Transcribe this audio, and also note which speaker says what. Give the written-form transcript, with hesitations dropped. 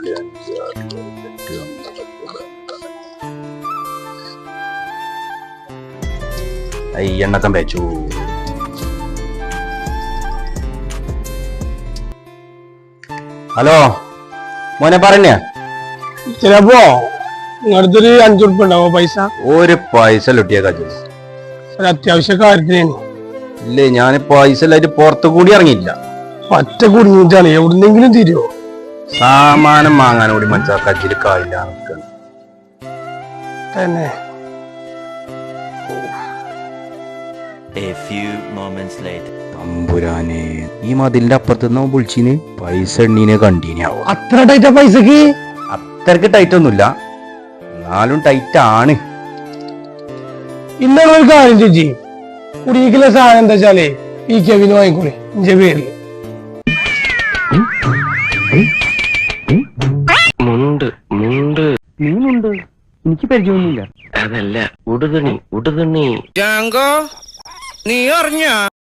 Speaker 1: എണ്ണക്കം വെച്ചു. ഹലോ മോനെ പറഞ്ഞ
Speaker 2: ചിലപ്പോ നിങ്ങളടുത്തൊരു 5 ഉറുപ്പ ഉണ്ടാവോ പൈസ?
Speaker 1: ഒരു പൈസ ലൊട്ടിയ കജു
Speaker 2: ഒരു അത്യാവശ്യ കാര്യത്തിനാണ്.
Speaker 1: ഇല്ലേ ഞാൻ പൈസ ഇല്ലായിട്ട് പുറത്തു കൂടി ഇറങ്ങിയില്ല.
Speaker 2: ഒറ്റ കുടുങ്ങിയിട്ടാണ്. എവിടുന്നെങ്കിലും തീരുവോ?
Speaker 1: സാമാനം വാങ്ങാൻ കൂടി മനസ്സിലാ കജ്ജില് കായില്ല
Speaker 2: തന്നെ.
Speaker 1: തമ്പുരാനെ ഈ മതിലിന്റെ അപ്പുറത്ത് നിന്ന് വിളിച്ചിന് പൈസ എണ്ണീനെ കണ്ടീനാവോ?
Speaker 2: അത്ര ടൈറ്റാ പൈസക്ക്?
Speaker 1: അത്രക്ക് ടൈറ്റ് ഒന്നുമില്ല, എന്നാലും ടൈറ്റ് ആണ്.
Speaker 2: ഇന്നാണ് ഒരു കാര്യം ചേച്ചി, കുടിയിലെ സാധനം എന്താ വെച്ചാലേ ഈ കെവിന് വാങ്ങിക്കൂടെ എന്റെ പേരില്.
Speaker 3: എനിക്ക് പരിചയമൊന്നുമില്ല. അതല്ല ഉടുതുണി.
Speaker 4: നീ അറിഞ്ഞ